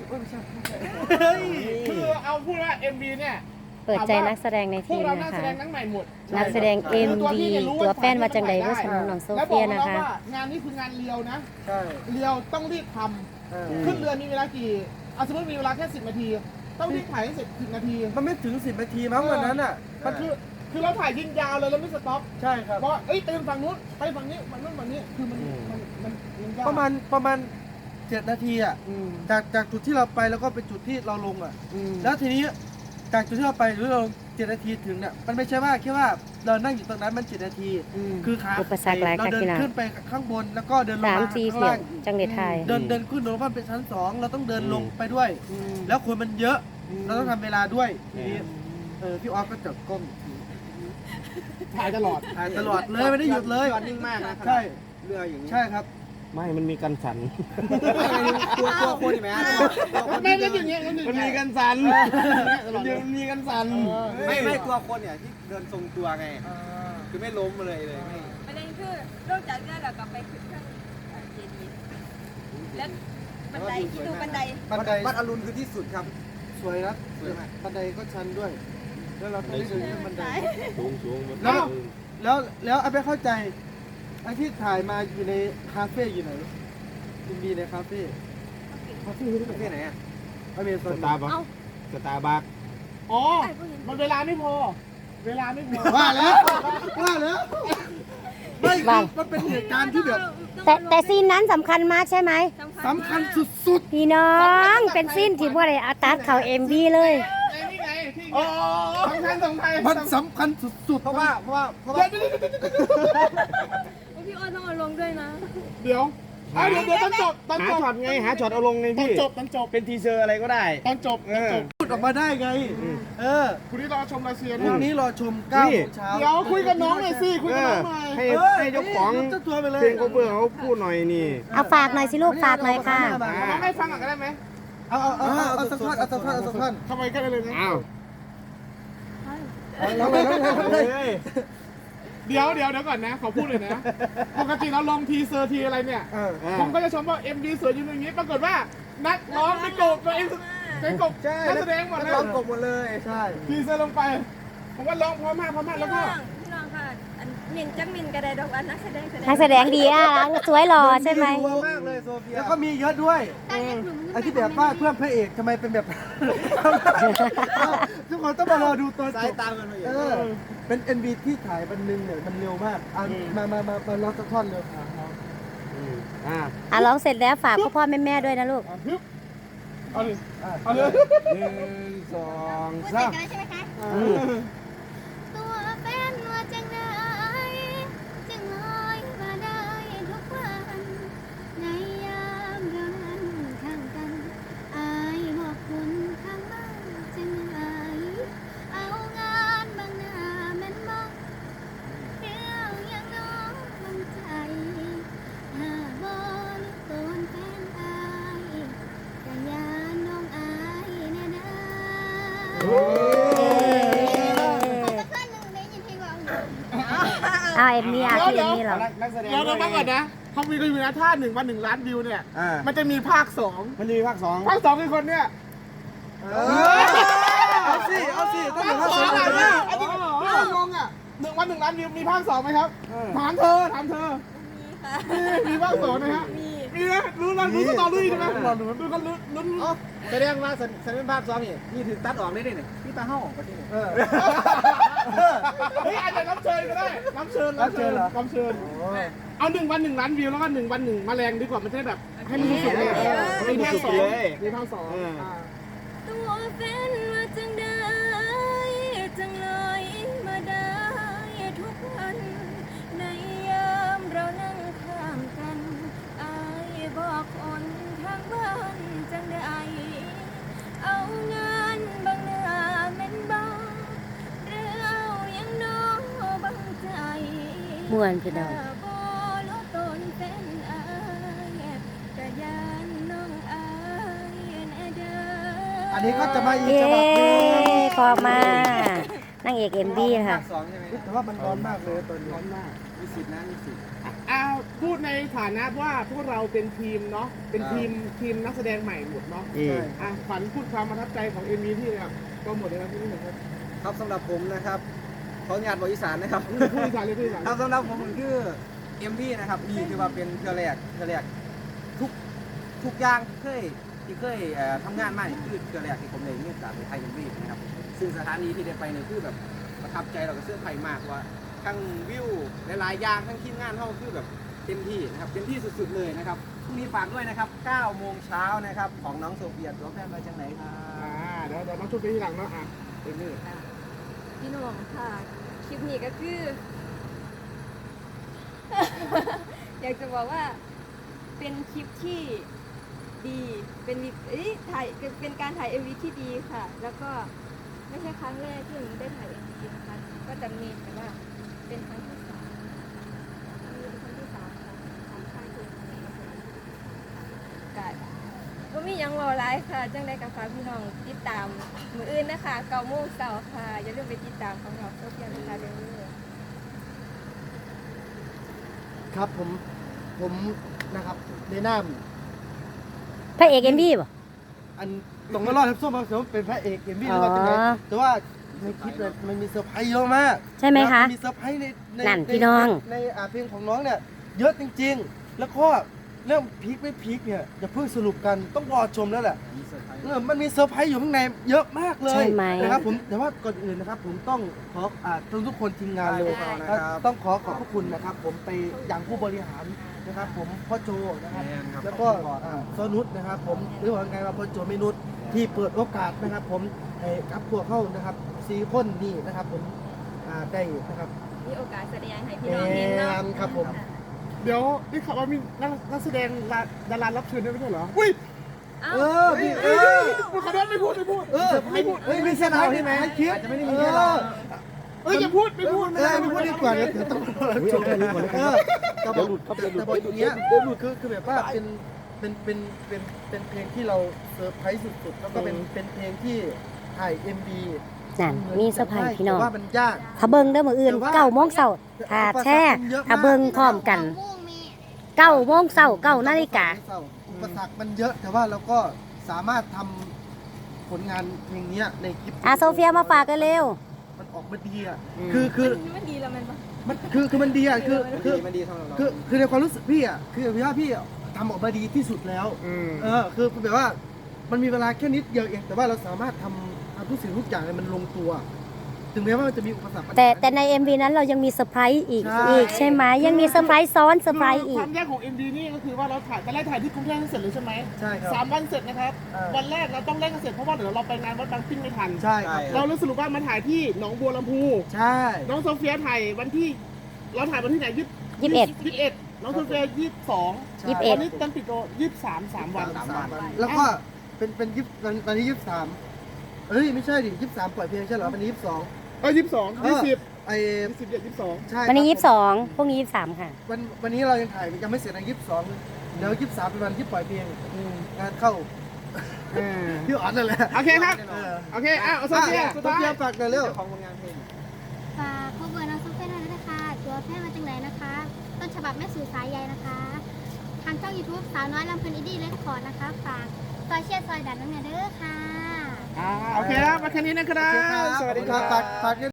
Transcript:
ไม่ใช่คือเอาพูดว่า MV เนี่ยเปิดใจนักแสดงในพทีวกมเรานันะกแสคะดงทั้งใหม่หมดนักแสดง MV ตัวแฟนว่าจังใดเวอร์ชันของน้องโซแล้วบเฟีอกยน้นะองคะว่างานนี้คืองานเรียวนะใช่เรียวต้องรีบทำขึ้นเรือมีเวลากี่สมมติมีเวลาแค่10 นาที ต้องรีบถ่ายให้เสร็จ10 นาทีมันไม่ถึง10 นาทีมั้งวันนั้นอ่ะมันคือเราถ่ายยิงยาวเลยเราไม่สต็อปใช่ครับเพราะเอ้ยเติมฝั่งนู้นไปฝั่งนี้ฝั่งนู้นฝั่งนี้คือมันยากประมาณ7 นาทีอ่ะจากจุดที่เราไปแล้วก็เป็นจุดที่เราลงอ่ะแล้วทีนี้จากจุดที่เราไปหรือเรา7 นาทีถึงเนี่ยมันไม่ใช่ว่าแค่ว่าเรานั่งอยู่ตรงนั้นมัน7 นาทีคือขาอุปสรรคหลายเราค่ะเดินพี่น้องขึ้นไปข้างบนแล้วก็เดินลงสามมาสี่ข้างเสียล่าง งจังเด็ดไทยเดินขึ้นลงมาเป็นชั้น2เราต้องเดินลงไปด้วย แล้วคนมันเยอะเราต้องทำเวลาด้วยทีนี้พี่ออฟก็จับกล้องถ่ายตลอดถ่ายตลอดเลยไม่ได้หยุดเลยนิ่งมากนะใช่เรืออย่างนี้ใช่ครับไม่มันมีกันสั่นตัวคนใช่ไหมไม่ได้อย่างเงี้ยมันมีกันสั่นมันมีกันสั่นไม่ตัวคนเนี่ยที่เดินทรงตัวไงคือไม่ล้มเลยไม่ประเด็นคือนอกจากนั้นเรากลับไปขึ้นเครื่องเจดีย์แล้วบันไดที่ดูบันไดบันไดวัดอรุณคือที่สุดครับสวยนะสวยมากบันไดก็ชันด้วย แล้วเราต้องได้เดินขึ้นบันไดสูงแล้วไอ้ไปเข้าใจไอ้ที่ถ่ายมาอยู่ในคาเฟ่อยู่ไหนยินดีในคาเฟ่คาเฟ่ที่ที่ไหนอ่ะอเมซสอนตาร์บัคสตาร์บัคอ๋อมันเวลาไม่พอ เวลาไม่พอว่าแล้วไม่มันเป็นเหตุการณ์ที่แบบแต่ซีนนั้นสำคัญมากใช่ไหมสำคัญสุดพี่น้องเป็นซีนที่พวกอะไรอาตัดเขาMVเลยไอ้นี่ไงที่สำคัญสำคัญๆมันสำคัญสุดๆเพราะว่าพี่อ้อนต้องเอาลงด้วยนะเดี๋ยวตอนจบหาช็อตไงหาช็อตเอาลงไงตอนพี่จบตอนจบเป็นทีเซอร์อะไรก็ได้ตอนจบพูดออกมาได้ไงคุณที่รอชมรัสเซียพรุ่งนี้รอชม9 โมงเช้าเดี๋ยวคุยกับน้องหน่อยสิคุยกับน้องหน่อยให้เจ้าของเจ้าตัวไปเลยเพลงเขาเบื่อเขาพูดหน่อยนี่เอาฝากหน่อยสิลูกฝากหน่อยค่ะน้องให้ฟังก่อนก็ได้ไหมเอาสักท่อนทำไมก็ได้เลยนะอ้าวเอาเลยเดี๋ยวก่อนนะขอพูดเลยนะ ปกติเราลงทีเซอร์ทีอะไรเนี่ย ผมก็จะชมว่า MV สวยอยู่อย่างนี้ ปรากฏว่านักร้องไปกบตัวเองเป็นกบนักแสดงหมดเลยร้องกบหมดเลยใช่ทีเซอร์ลงไป ผมว่าร้องเพราะมากแล้วก็พี่น้องค่ะอันมินจักมินกระไดดอกอันนักแสดงนักแสดงดีสวยหล่อใช่ไหมรัวมากเลยโซเฟียแล้วก็มีเยอะด้วยไอ้ที่แบบว่าเพื่อนพระเอกทำไมเป็นแบบ ทุกคนต้องมารอดูตัวจสายบตามกันมาอยู่เป็น MV ที่ถ่ายวันหนึงเนี่ยมันเร็วมากมาร้องสักท่อนเร็วครับร้องเสร็จแล้วฝากพ่อแม่ด้วยนะลูกเอาเลย 1 2 ใช่ 3 ใช่ไหมคะตัวแฟนว่าจังไดจึงลอยมาได้ทุกวันในยามเรานั้นข้างกันอายบอกคุณข้างบ้านจังไดเอางานบางหน้าแม่นมองเรื่องอย่างน้องบางใจหาบ่ลึกต้นแฟนอายแต่ยานน้องอายแน่นะเอาMVพี่MVเหรอนักแสดงเดี๋ยวมาก่อนนะเขามีกันอยู่นะถ้า1 วัน 1 ล้านวิวเนี่ย มันจะมีภาค 2 มันจะมีภาค 2 ภาค 2 คือคนเนี่ยเอาสิต้องภามีคภาคสสออง งอะไรเลเนี่ยยอันนี้งงอ่ะ1 วัน 1 ล้านวิวมีภาค 2ไหมครับถามเธอมีภาค 2นะฮะมีนะรู้สตอรี่ใช่ไหมดูกันลุ้นแสดงว่าสัญญาณภาพซ้อมนี่ถึงตัดออกได้ด้วยเนี่ยพี่ตาเห่าประเทศเฮ้ยอาจจะรับเชิญก็ได้รับเชิญเอา1 วัน 1 ล้านวิวแล้วก็1 วัน 1 แมลงดีกว่ามันจะได้แบบให้มันสุดเลยมีภาค 2มีภาค 2 ตัวแฟนว่าจังได้จังลอยมาได้ทุกวันในยามเรานั่งข้ามกันอายบอกคนทางบ้านจังได้เอางานบางหน้าแม่นบ้างหรือเอายังน้องบางใจม่วนพี่น้องบ่ลดตนเป็นอายกะยานน้องอายแน่เด้ออันนี้ก็จะมาอีกเย้ฉบับนึงพอมานางเอกMV ค่ะภาค 2ใช่ไหมแต่ว่ามันร้อนมากเลยตอนนี้ร้อนมากมีสิทธิ์นะมีสิทธิ์พูดในฐานะว่าพวกเราเป็นทีมเนาะเป็นทีมนักแสดงใหม่หมดเนาะขวัญพูดความประทับใจของ MV ที่แบบก็หมดเลยครับพี่หนึ่งครับครับสำหรับผมนะครับขออนุญาตบอกอีสานนะครับพูดอีสานเลยพูดอีสานครับสำหรับผมมันคือเอ็มพีนะครับนี่คือว่าเป็นเทือแรกทุกอย่างที่เคยทำงานมานี่คือเทือแรกที่ผมเลยมีโอกาสไปไทยเอ็มพีนะครับซึ่งสถานีที่ได้ไปเนี่ยคือแบบประทับใจเรากับเสื้อไทยมากว่าทั้งวิวหลายๆอย่างทั้งทีมงานเขาคือแบบเต็มที่นะครับเต็มที่สุดๆเลยนะครับพรุ่งนี้ฝากด้วยนะครับ9 โมงเช้านะครับของน้องโซเฟียตัวแฟนมาจากไหนครับเดี๋ยวน้องชุบไปทีหลังเนาะเอ็มนี่พี่หนุ่มค่ะคลิปนี้ก็คือ อยากจะบอกว่าเป็นคลิปที่ดีเป็นการถ่าย MV ที่ดีค่ะ แล้วก็ไม่ใช่ครั้งแรกที่หนูได้ถ่าย MV นะคะก็จะมีแต่ว่าเป็นครั้งที่3เป็นครั้งที่3ของค่ายเพลงนี้ก็มียังรอไลฟ์ค่ะจังได้กับฝากพี่น้องติดตามมืออื่นนะคะ9 โมงเช้าค่ะอย่าลืมไปติดตามของเราโซเฟียนะคะเดี๋ยวนี้ครับผมนะครับในนามพระเอกเอ็มวีป่ะอันตรงมารอดทับส้มมาเป็นพระเอกเอ็มวีหรือว่าจังไงแต่ว่าในคลิปเนี่ยมันมีเซอร์ไพรส์เยอะมากใช่ไหมคะมีเซอร์ไพรส์ในนั่นพี่น้องในเพลงของน้องเนี่ยเยอะจริงๆ แล้วก็เรื่องพีคไม่พีคเนี่ยอย่าเพิ่งสรุปกันต้องรอชมแล้วแหละมันมีเซอร์ไพรส์อยู่ข้างในเยอะมากเลยใช่ไหมนะครับผมแต่ว่าก่อนอื่นนะครับผมต้องขอทุกคนทีมงานเลยได้ครับต้องขอบพระคุณนะครับ ผมไปอย่างผู้บริหารนะครับผมพ่อโจนะครับครับแล้วก็ซอนุชนะครับผมหรือว่าไงว่าพ่อโจเมนุชที่เปิดโอกาสนะครับ ผมให้กับพวกเข้านะครับ4 คนนี่นะครับผมได้นะครับมีโอกาสแสดงให้พี่น้องเห็นเนาะครับผมเดี๋ยวได้ข่าวว่ามีนักแสดงดารารับเชิญด้วยไม่ใช่เหรออุ้ยพี่ขอโทษไม่พูดไม่พูดไม่ใช่เราใช่ไหมคลิปอาจจะไม่ได้มีแค่เราอย่าพูดไม่พูดไม่พูดดีกว่าเดี๋ยวต้องจบเลยแต่บอกอย่างเงี้ยคือแบบว่าเป็นเพลงที่เราเซอร์ไพรส์สุดๆแล้วก็เป็นเพลงที่ถ่าย MV นั่นมีเซอร์ไพรส์พี่น้องแต่ว่ามันยากถ้าเบิ่งเด้อมื้ออื่น9 โมงเช้าถ้าแช่ถ้าเบิ่งพร้อมกัน9 โมงเช้า9 นาฬิกาอุปสรรคมันเยอะแต่ว่าเราก็สามารถทำผลงานเพลงนี้ในคลิปโซเฟียมาฝากกันเร็วมันออกมาดีอ่ะคือมันดีแล้วมันปะมันคือมันดีอ่ะมันดีสำหรับเราคือในความรู้สึกพี่อ่ะคือพี่ทำออกมาดีที่สุดแล้วคือแบบว่ามันมีเวลาแค่นิดเดียวเองแต่ว่าเราสามารถทำทุกสิ่งทุกอย่างมันลงตัว ถึงแม้ว่ามันจะมีอุปสรรคแต่ใน MV นั้นเรายังมีเซอร์ไพรส์อีกใช่ใช่ไหมยังมีเซอร์ไพรส์ซ้อนเซอร์ไพรส์อีคกวามยากของ MV นี่ก็คือว่าเราถ่ายตอนแรกถ่ายที่กรุงเทพเสร็จเลยใช่ไหมใช่ครับ 3 วันเสร็จนะครับ วันแรกเราต้องเร่งกันเสร็จเพราะว่าเดี๋ยวเราไปงานวัดบางปิ้งไม่ทันใช่ครับเราเลยสรุปว่ามาถ่ายที่หนองบัวลำพูใช่น้องโซเฟียถ่ายวันที่เราถ่ายวันที่ไหน21น้องโซเฟีย22 21 วันนี้ตั้งปิดโต23 วันแล้วก็เป็นตอนนี้23ไม่ใช่ดิ23ปล่อยเพลงใช่เหรอวันนี้22 22 ไอ้ 20 22 ใช่วันนี้ครับ 22พรุ่งนี้23ค่ะวันนี้เรายังถ่ายยังไม่เสร็จนะ22เดี๋ยว23เป็นวันที่ปล่อยเพลงงานเข้าพี่อ๋อนนั่นแหละโอเคครับ โอเคโซเฟียสุดท้ายฝากหน่อยเร็วของผลงานเพลงฝากข้อมูลน้องโซเฟียด้วยนะคะ ตัวแพทย์มาจากไหนนะคะ ต้นฉบับแม่สู่สายใยนะคะ ทางช่อง YouTube สาวน้อยลำเพลินอินดี้เลคคอร์ดนะคะ ฝากซอยเชียร์ซอยดันน้องเนเด้อค่ะโอเคครับมาแค่นี้นะครับ สวัสดีครับฝาก